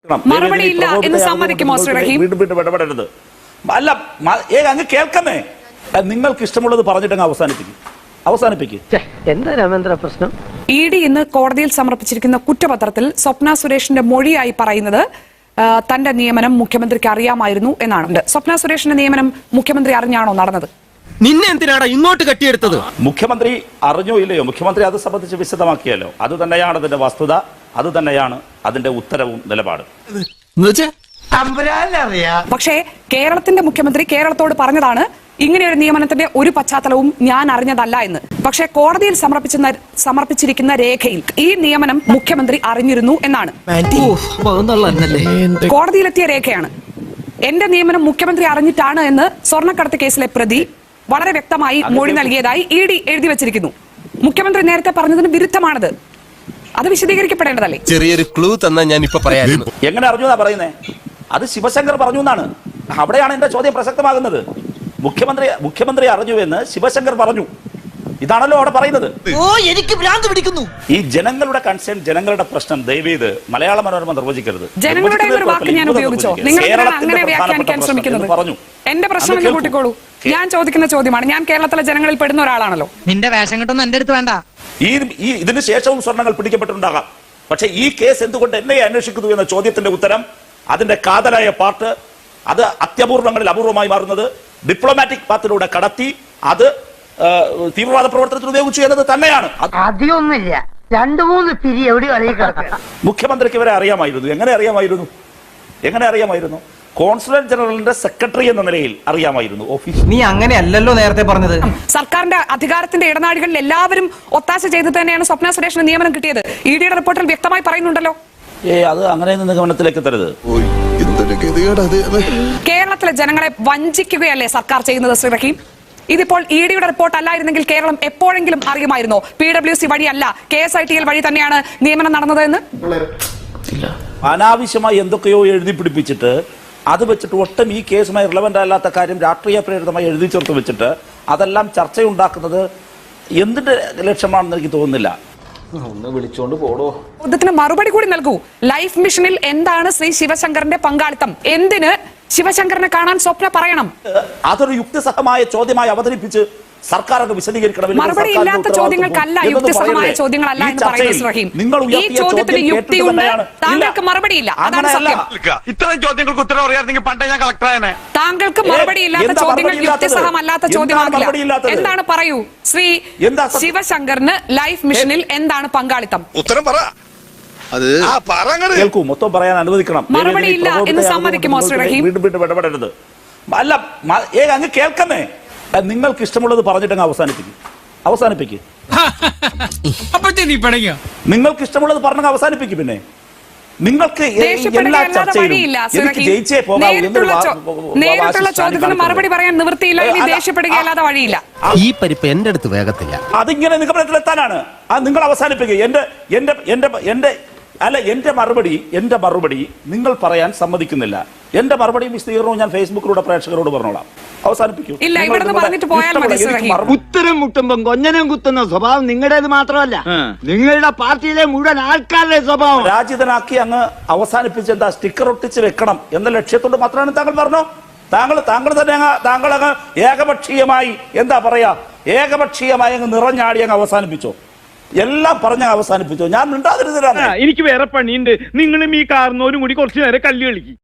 മറുപടിയില്ല എന്ന് സമ്മതിക്കുമോ ശ്രീ റഹീം? വീണ്ടും വീണ്ടും ഇടപെടരുത്. അല്ല, അങ്ങ് കേൾക്കുന്നേ. നിങ്ങൾക്ക് ഇഷ്ടമുള്ളത് പറഞ്ഞിട്ടങ്ങ് അവസാനിപ്പിക്കും. എന്താ രാമേന്ദ്ര പ്രശ്നം? ഇഡി ഇന്ന് കോടതിയിൽ സമർപ്പിച്ചിരിക്കുന്ന കുറ്റപത്രത്തിൽ സ്വപ്ന സുരേഷിന്റെ മൊഴിയായി പറയുന്നത് തന്റെ നിയമനം മുഖ്യമന്ത്രിക്ക് അറിയാമായിരുന്നു എന്നാണ്. സ്വപ്ന സുരേഷിന്റെ നിയമനം മുഖ്യമന്ത്രി അറിഞ്ഞാണോ നടന്നത്? നിന്നെ എന്തിനാണ് ഇങ്ങോട്ട് കെട്ടിയെടുത്തത്? മുഖ്യമന്ത്രി അറിഞ്ഞോ ഇല്ലയോ, മുഖ്യമന്ത്രി അത് സംബന്ധിച്ച് വിശദമാക്കിയല്ലോ. അത് തന്നെയാണ് അതിന്റെ വസ്തുത, അത് തന്നെയാണ് അതിന്റെ ഉത്തരവും നിലപാടും. പക്ഷേ കേരളത്തിന്റെ മുഖ്യമന്ത്രി കേരളത്തോട് പറഞ്ഞതാണ് ഇങ്ങനെ ഒരു നിയമനത്തിന്റെ ഒരു പശ്ചാത്തലവും ഞാൻ അറിഞ്ഞതല്ല എന്ന്. പക്ഷേ കോടതിയിൽ സമർപ്പിച്ചിരിക്കുന്ന രേഖയിൽ ഈ നിയമനം മുഖ്യമന്ത്രി അറിഞ്ഞിരുന്നു എന്നാണ്. കോടതിയിലെത്തിയ രേഖയാണ്. എന്റെ നിയമനം മുഖ്യമന്ത്രി അറിഞ്ഞിട്ടാണ് എന്ന് സ്വർണ്ണക്കടത്ത് കേസിലെ പ്രതി വളരെ വ്യക്തമായി മൊഴി നൽകിയതായി ഇഡി എഴുതി വച്ചിരിക്കുന്നു. മുഖ്യമന്ത്രി നേരത്തെ പറഞ്ഞതിന് വിരുദ്ധമാണത്. അത് വിശദീകരിക്കപ്പെടേണ്ടതല്ലേ? ചെറിയൊരു ക്ലൂ തന്നാ ഞാൻ ഇപ്പൊ പറയായിരുന്നു. എങ്ങനെ അറിഞ്ഞു എന്നാ പറയുന്നേ? അത് ശിവശങ്കർ പറഞ്ഞു എന്നാണ്. അവിടെയാണ് എന്റെ ചോദ്യം പ്രസക്തമാകുന്നത്. മുഖ്യമന്ത്രി അറിഞ്ഞു എന്ന് ശിവശങ്കർ പറഞ്ഞു. ഇതാണല്ലോ അവിടെ പറയുന്നത്. എനിക്ക് ഭ്രാന്ത് പിടിക്കുന്നു. ഈ ജനങ്ങളുടെ കൺസേൺ, ജനങ്ങളുടെ പ്രശ്നം ദയവേത് മലയാള മനോരമ നിർവചിക്കരുത്. ജനങ്ങളുടെ ഒരു വാക്ക് ഞാൻ ഉപയോഗിച്ചോ? നിങ്ങൾ അങ്ങനെ വ്യാഖ്യാനിക്കാൻ ശ്രമിക്കുന്നത് പറഞ്ഞു. എന്റെ പ്രശ്നം കൂട്ടിക്കോളൂ. ഞാൻ ചോദിക്കുന്ന ചോദ്യമാണ്. ഞാൻ കേരളത്തിലെ ജനങ്ങളിൽ പെടുന്ന ഒരാളാണല്ലോ. നിന്റെ വേഷം കെട്ടൊന്നും എന്റെ അടുത്ത് വേണ്ട. ഇതിന് ശേഷവും സ്വർണ്ണങ്ങൾ പിടിക്കപ്പെട്ടിട്ടുണ്ടാകാം. പക്ഷെ ഈ കേസ് എന്തുകൊണ്ട് എന്നെ അന്വേഷിക്കുന്നു എന്ന ചോദ്യത്തിന്റെ ഉത്തരം, അതിന്റെ കാതലായ പാർട്ട്, അത് അത്യപൂർവങ്ങളിൽ അപൂർവമായി മാറുന്നത് ഡിപ്ലോമാറ്റിക് പാത്തിലൂടെ കടത്തി അത് തീവ്രവാദ പ്രവർത്തനത്തിൽ ഉപയോഗിച്ചു എന്നത് തന്നെയാണ്. അധികമൊന്നുമില്ല, 2-3 പിരി എവിടെയോ അറിയിക്കാം. മുഖ്യമന്ത്രിക്ക് ഇവരെ അറിയാമായിരുന്നു. എങ്ങനെ അറിയാമായിരുന്നു? കോൺസുലേറ്റ് ജനറലിന്റെ സെക്രട്ടറി എന്ന നിലയിൽ അറിയാമായിരുന്നു. ഓഫീസ് നീ അങ്ങനെയല്ലല്ലോ നേരത്തെ പറഞ്ഞത്. സർക്കാരിന്റെ അധികാരത്തിന്റെ ഇടനാഴികളിൽ എല്ലാവരും ഒത്താശ ചെയ്ത് തന്നെയാണ് സ്വപ്ന സുരേഷിന് നിയമനം കിട്ടിയത്. ഇഡിയുടെ റിപ്പോർട്ടിൽ വ്യക്തമായി പറയുന്നുണ്ടല്ലോ. അത് അങ്ങനെ നിഗമനത്തിലേക്ക് എത്തരുത്. കേരളത്തിലെ ജനങ്ങളെ വഞ്ചിക്കുകയല്ലേ സർക്കാർ ചെയ്യുന്നത് ശ്രീ റഹീം? ഇതിപ്പോൾ ഇഡിയുടെ റിപ്പോർട്ട് അല്ലായിരുന്നെങ്കിൽ കേരളം എപ്പോഴെങ്കിലും അറിയുമായിരുന്നോ PWC വഴിയല്ല KSITL വഴി തന്നെയാണ് നിയമനം നടന്നത് എന്ന്? അനാവശ്യമായി എന്തൊക്കെയോ എഴുതി പിടിപ്പിച്ചിട്ട് അത് വെച്ചിട്ട് ഒട്ടും ഈ കേസുമായി റിലവന്റ് അല്ലാത്ത കാര്യം രാഷ്ട്രീയ പ്രേരിതമായി എഴുതി ചേർത്ത് വെച്ചിട്ട് അതെല്ലാം ചർച്ചയുണ്ടാക്കുന്നത് എന്തിന്റെ ലക്ഷ്യമാണെന്ന് എനിക്ക് തോന്നുന്നില്ല. ഒന്ന് വിളിച്ചോണ്ട് പോടോ. ചോദ്യത്തിന് മറുപടി കൂടി നൽകൂ. ലൈഫ് മിഷനിൽ എന്താണ് ശ്രീ ശിവശങ്കറിന്റെ പങ്കാളിത്തം? എന്തിന് ശിവശങ്കറിനെ കാണാൻ സ്വപ്ന പറയണം? അതൊരു യുക്തിസഹമായ ചോദ്യമായി അവതരിപ്പിച്ച് സർക്കാർ അത് വിശദീകരിക്കണം. മറുപടി ഇല്ലാത്ത ചോദ്യങ്ങൾക്കല്ല യുക്തിസഹമായ ചോദ്യങ്ങളല്ല എന്ന് പറയുന്നത് ശ്രീ റഹീം. ഈ ചോദ്യത്തിന് യുക്തിയുണ്ട്, താങ്കൾക്ക് മറുപടിയില്ല. അതാണ് സത്യം. ഇത്തരം ചോദ്യങ്ങൾക്ക് ഉത്തരം അറിയാമെങ്കിൽ പണ്ടേ ഞാൻ കളക്ടറാണ്. താങ്കൾക്ക് മറുപടി ഇല്ലാത്ത ചോദ്യങ്ങൾ യുക്തിസഹമല്ലാത്ത ചോദ്യമാകില്ല. എന്താണ് പറയൂ ശ്രീ ശിവശങ്കറിന് ലൈഫ് മിഷനിൽ എന്താണ് പങ്കാളിത്തം? ഉത്തരം പറ. കേൾക്കൂ, മൊത്തം പറയാൻ അനുവദിക്കണം. മറുപടിയില്ല എന്ന് സമ്മതിക്കുമോ ശ്രീ റഹീം? വീണ്ടും വീണ്ടും ഇടപെടരുത്. അല്ല, അങ്ങ് കേൾക്കുന്നേ. നിങ്ങൾക്ക് ഇഷ്ടമുള്ളത് പറഞ്ഞിട്ടങ്ങ് അവസാനിപ്പിക്കും. നിങ്ങൾക്ക് ഇഷ്ടമുള്ളത് പറഞ്ഞങ്ങ് അവസാനിപ്പിക്കും. പിന്നെ നിങ്ങൾക്ക് എല്ലാ ചർച്ചയിലും എനിക്ക് ജയിച്ചേ പോകാവൂ. നേരിട്ടുള്ള ചോദ്യത്തിന് മറുപടി പറയാൻ നിവൃത്തിയില്ല. ഇനി ദേഷ്യപ്പെടുകയല്ലാതെ വഴിയില്ല. ഈ പരിപ്പ് എന്റെ അടുത്ത് വേഗത്തില്ല. അതിങ്ങനെ നിഗമനത്തിലെത്താനാണ്. നിങ്ങൾ അവസാനിപ്പിക്കുക. എന്റെ മറുപടി നിങ്ങൾ പറയാൻ സമ്മതിക്കുന്നില്ല. എന്റെ മറുപടിയും വിശദീകരണവും ഞാൻ ഫേസ്ബുക്കിലൂടെ പ്രേക്ഷകരോട് പറഞ്ഞോളാം. അവസാനിപ്പിക്കൂ. ഇല്ല, ഇവിടുന്ന് പറഞ്ഞിട്ട് പോയാൽ മതി ശ്രീ റഹീം. ഉത്തരം മുട്ടുമ്പോ കൊഞ്ഞനം കുത്തുന്ന സ്വഭാവം നിങ്ങളുടേത് മാത്രമല്ല, നിങ്ങളുടെ പാർട്ടിയിലെ മുഴുവൻ ആൾക്കാരുടെ സ്വഭാവം. രാജിതനാക്കി അങ്ങ് അവസാനിപ്പിച്ച് എന്താ സ്റ്റിക്കർ ഒട്ടിച്ച് വെക്കണം എന്ന ലക്ഷ്യത്തോട് മാത്രമാണ് താങ്കൾ പറഞ്ഞോ? താങ്കൾ തന്നെ താങ്കൾ അങ്ങ് ഏകപക്ഷീയമായി എന്താ പറയാ, ഏകപക്ഷീയമായി അങ്ങ് നിറഞ്ഞാടി അങ്ങ് അവസാനിപ്പിച്ചോ? എല്ലാം പറഞ്ഞ അവസാനിപ്പിച്ചോ? ഞാൻ മിണ്ടാതിരുന്നില്ല. എനിക്ക് വേറെ പണിയുണ്ട്. നിങ്ങളും ഈ കാരണവരും കൂടി കുറച്ചു നേരം കല്ല് കളിക്കും.